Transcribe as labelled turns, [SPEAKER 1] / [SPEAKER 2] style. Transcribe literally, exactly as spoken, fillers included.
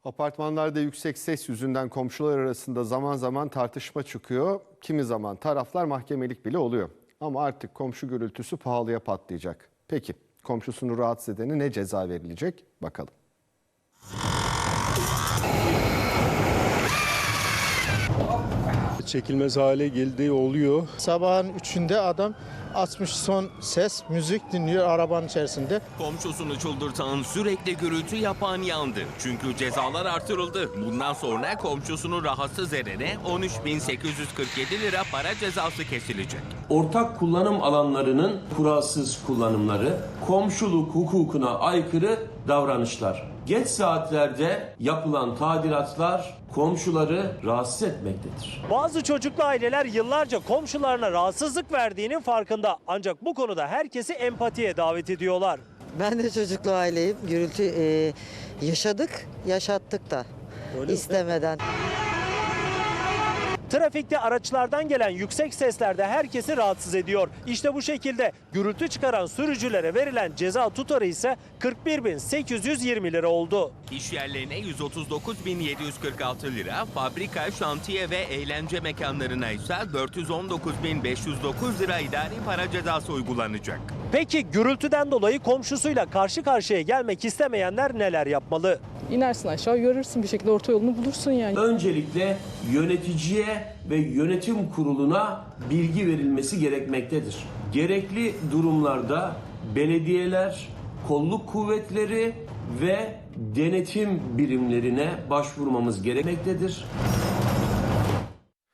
[SPEAKER 1] Apartmanlarda yüksek ses yüzünden komşular arasında zaman zaman tartışma çıkıyor. Kimi zaman taraflar mahkemelik bile oluyor. Ama artık komşu gürültüsü pahalıya patlayacak. Peki komşusunu rahatsız edene ne ceza verilecek? Bakalım.
[SPEAKER 2] Çekilmez hale geldiği oluyor.
[SPEAKER 3] Sabahın üçünde adam açmış son ses, müzik dinliyor arabanın içerisinde.
[SPEAKER 4] Komşusunu çıldırtan, sürekli gürültü yapan yandı. Çünkü cezalar artırıldı. Bundan sonra komşusunu rahatsız edene on üç bin sekiz yüz kırk yedi lira para cezası kesilecek.
[SPEAKER 5] Ortak kullanım alanlarının kuralsız kullanımları, komşuluk hukukuna aykırı davranışlar. Geç saatlerde yapılan tadilatlar komşuları rahatsız etmektedir.
[SPEAKER 6] Bazı çocuklu aileler yıllarca komşularına rahatsızlık verdiğinin farkında. Ancak bu konuda herkesi empatiye davet ediyorlar.
[SPEAKER 7] Ben de çocuklu aileyim. Gürültü e, yaşadık, yaşattık da
[SPEAKER 6] Öyle
[SPEAKER 7] istemeden.
[SPEAKER 6] Trafikte araçlardan gelen yüksek sesler de herkesi rahatsız ediyor. İşte bu şekilde gürültü çıkaran sürücülere verilen ceza tutarı ise kırk bir bin sekiz yüz yirmi lira oldu.
[SPEAKER 4] İş yerlerine yüz otuz dokuz bin yedi yüz kırk altı lira, fabrika, şantiye ve eğlence mekanlarına ise dört yüz on dokuz bin beş yüz dokuz lira idari para cezası uygulanacak.
[SPEAKER 6] Peki gürültüden dolayı komşusuyla karşı karşıya gelmek istemeyenler neler yapmalı?
[SPEAKER 8] İnersin aşağı, görürsün, bir şekilde orta yolunu bulursun yani.
[SPEAKER 5] Öncelikle yöneticiye ve yönetim kuruluna bilgi verilmesi gerekmektedir. Gerekli durumlarda belediyeler, kolluk kuvvetleri ve denetim birimlerine başvurmamız gerekmektedir.